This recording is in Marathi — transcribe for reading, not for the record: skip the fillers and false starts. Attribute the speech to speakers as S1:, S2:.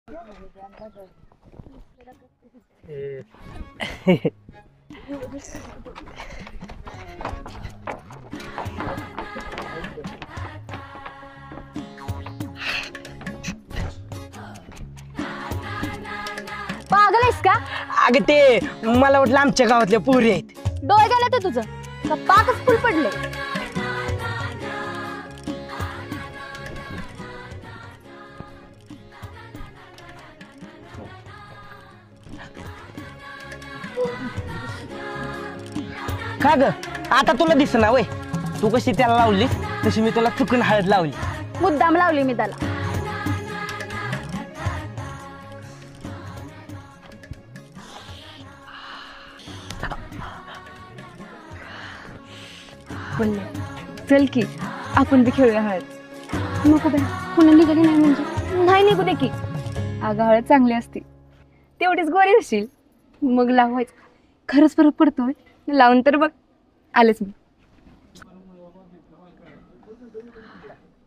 S1: पागल आहेस का?
S2: अगं ते मला वाटलं आमच्या गावातल्या पोरी आहेत.
S1: डोळे गेले तर तुझं का पाकच फुल पडले?
S2: का ग आता तुला दिसना वय? तू कशी त्याला लावलीस तशी मी तुला चुकून हळद लावली.
S1: मुद्दाम लावली मी त्याला. बोलले चल की आपण बी खेळूया हळद. नको बाई, पुन्हा निघाली नाही म्हणजे नाही निघू दे की. अगं हळद चांगली असते, तेवढीच गोरी होशील. मग लावायचं, खरंच फरक पडतोय. लावून तर बघ. आलेच मी.